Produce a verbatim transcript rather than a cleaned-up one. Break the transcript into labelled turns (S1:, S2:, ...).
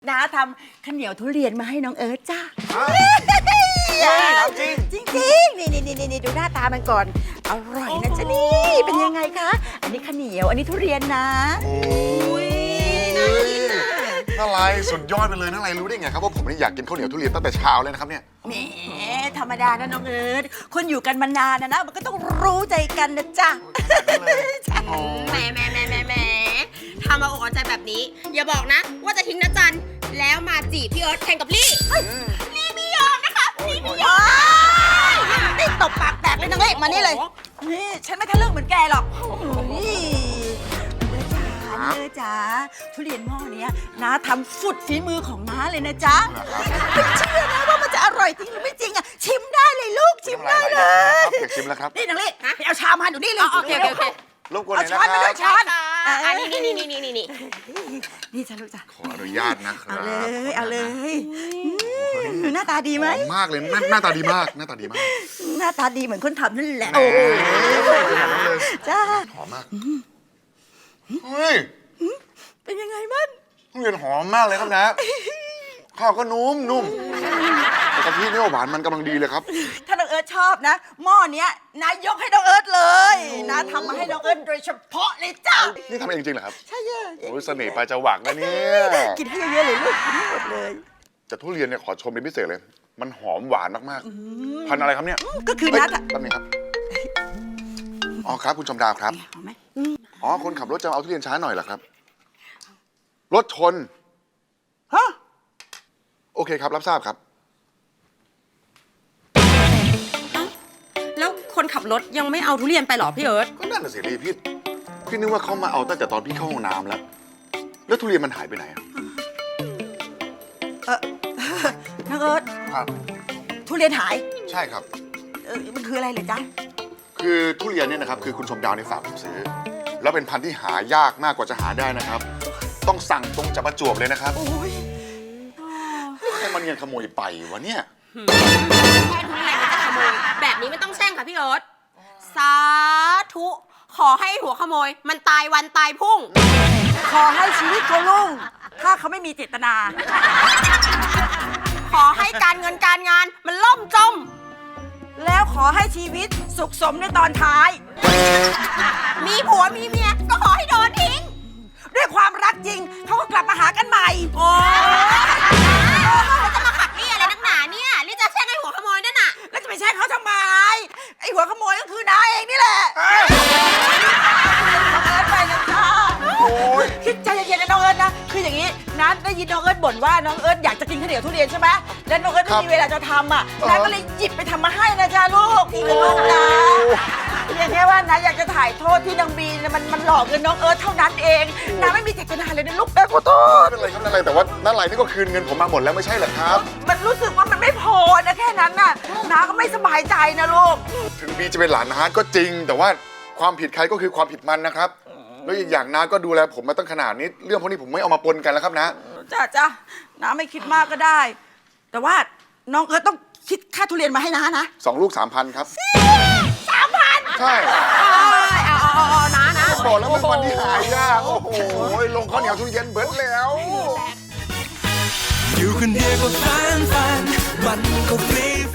S1: น้าทำข้าวเหนียวทุเรียนมาให้น้องเอิร์ธจ้าจริงจริงจริงนี่นี่นี่นี่ดูหน้าตามันก่อนอร่อยนะจ๊ะนี่เป็นยังไงคะอันนี้ข้าวเหนียวอันนี้ทุเรียนนะ
S2: โอ้ยน่ากินนะน่าไรสุดยอดไปเลยน่าไรรู้ได้ไงครับว่าผมนี่อยากกินข้าวเหนียวทุเรียนตั้งแต่เช้าเลยนะครับเนี่ย
S1: แหมธรรมดานะน้องเอิร์ธคนอยู่กันมานานนะนะมันก็ต้องรู้ใจกันนะจ๊ะ
S3: แหมแหมแหมแหมแหมทำมาอกเอาใจแบบนี้อย่าบอกนะว่าจะทิ้งนะจันแล้วมาจีบพี่เอิร์ธแข่งกับลี่ลี่ไม่ยอมนะคะลี่ไม่ยอม
S1: นี่ตบปากแตกเลยนางเอกมานี่เลยนี่ฉันไม่ทะลึ่งเหมือนแกหรอกนี่เนื้อจ๋าทุเรียนหม้อนี้น้าทำสุดฝีมือของน้าเลยนะจ๊ะไม่เชื่อนะว่ามันจะอร่อยจริงหรือไม่จริงอ่ะชิมได้เลยลูกชิมได้เลย
S2: อยากชิมแล้วครับ
S1: นี่นางเอกไปเอาชามมาดูนี่เลย
S3: โอเคโอเค
S2: รบกวนหน่อยนะครับ
S1: เอาช้อนมาด้วยช้อน
S3: อันนี้นี่นี่นี่นี่นี่
S1: นี่จ้ะลูกจ้ะ
S2: ขออนุญาตนะครับ
S1: เอาเลยเอาเลยหน้าตาดีไหม
S2: มากเลยหน้าตาดีมากหน้าตาดีมาก
S1: หน้าตาดีเหมือนคนทำนั่นแหละ
S2: โอ้
S1: จ้า
S2: หอมมากเฮ้ย
S1: เป็นยังไงมัน
S2: ทุเรียนหอมมากเลยครับนะข้าวก็นุ่มนุ่มกะทิเนี่ยหวานมันกำลังดีเลยครับ
S1: ถ้าน้องเอิร์ธชอบนะหม้อเนี้ยนายยกให้น้องเอิร์ธเลยนะทำมาให้น้องเอิร์ธโดยเฉพาะเลยจ้า
S2: นี่ทำเองจริงเหรอครับ
S1: ใช่เยอะ
S2: โอ้ยเสน่ห์ปลายจวักนะเนี่ย
S1: กินให้เยอะๆเลยลูกกินให้หมดเลย
S2: แต่ทุเรียนเนี่ยขอชมเป็นพิเศษเลยมันหอมหวานมากๆพันอะไรครับเนี่ย
S1: ก็คือนัด
S2: แป๊บนึงครับอ๋อครับคุณชมดาวครับอ๋อคนขับรถจะเอาทุเรียนช้าหน่อยเหรอครับรถชน
S1: ฮะ
S2: โอเคครับรับทราบครับ
S3: แล้วคนขับรถยังไม่เอาทุเรียนไปหรอพี่เอิร์ธ
S2: ก็นั่นน่ะสิพี่พี่นึกว่าเขามาเอาตั้งแต่ตอนพี่เข้าห้องน้ำแล้วแล้วทุเรียนมันหายไปไหนอ่ะ
S1: เออน้องเอิร์ธ
S2: ครับ
S1: ทุเรียนหาย
S2: ใช่ครับ
S1: เออมันคืออะไรเหรอจ๊ะ
S2: คือทุเรียนเนี่ยนะครับคือคุณชมดาวในฝากผมซื้อแล้วเป็นพันธุ์ที่หายากมากกว่าจะหาได้นะครับต้องสั่งตรงจากประจวบเลยนะครับ
S1: โอ้ย
S2: ให้มันเงินขโมยไปวะเนี่ย
S3: แค่ทุเรียนมันจะขโมยแบบนี้ไม่ต้องแช่งค่ะพี่เอิร์ธสาธุขอให้หัวขโมยมันตายวันตายพุ่ง
S1: ขอให้ชีวิตเขาลุ่งถ้าเขาไม่มีเจตนา
S3: ขอให้การเงินการงานมันล่มจม
S1: แล้วขอให้ชีวิตสุขสมในตอนท้าย
S3: มีผัวมีเมียก็ขอให้โดนทิ้ง
S1: ด้วยความรักจริงเขาก็กลับมาหากันใหม่
S3: โอ้จะมาขัดนี่อะไรนักหนาเนี่ยนี่จะแช่งไอ้หัวขโมยนั่นน่ะ
S1: แล้วจะไปแช่งเขาทำไมไอ้หัวขโมยก็คือน้าเองนี่แหละน้องเอิร์ธไปนะจ๊ะคิดใจเย็นๆนะน้องเอิร์ธนะคืออย่างนี้น้าได้ยินน้องเอิร์ธบ่นว่าน้องเอิร์ธอยากจะกินข้าวเหนียวทุเรียนใช่ไหมแล้วน้องเอิร์ธไม่มีเวลาจะทำอ่ะน้าก็เลยหยิบไปทำมาให้นะจ๊ะลูกนี่คือลูกนะเพียงแค่ว่าน้าอยากจะถ่ายโทษที่นางบีมันมันหลอกเงินน้องเอิร์ธเท่านั้นเองน้าไม่มีเจตนาเลยนะลูกแม่ขอโทษ
S2: ไม่เป็นไรครับไม่เป็นไรแต่ว่านั่นไรนี่ก็คืนเงินผมมาหมดแล้วไม่ใช่เหรอครับ
S1: มันรู้สึกว่ามันไม่พอนะแค่นั้นน่ะน้าก็ไม่สบายใจนะลูก
S2: ถึงบีจะเป็นหลานน้าก็จริงแต่ว่าความผิดใครก็คือความผิดมันนะครับแล้วอีกอย่างน้าก็ดูแลผมมาตั้งขนาดนี้เรื่องพวกนี้ผมไม่เอามาปนกันแล้วครับนะ
S1: จ้าจ้าน้าไม่คิดมากก็ได้แต่ว่าน้องเอิร์ธต้องคิดค่าทุเรียนมาให้น้านะ
S2: สองลูกสามพันครับ
S1: สามพัน
S2: ใช่
S3: เอาเอาเอานะนะ
S2: บอกแล้วเป็นวันที่หายากโอ้โหลงข้าวเหนียวทุเรียนเบิร์ดแล้ว
S4: อยู่คนเดียวก็ฟันฟันมันก็ฟรี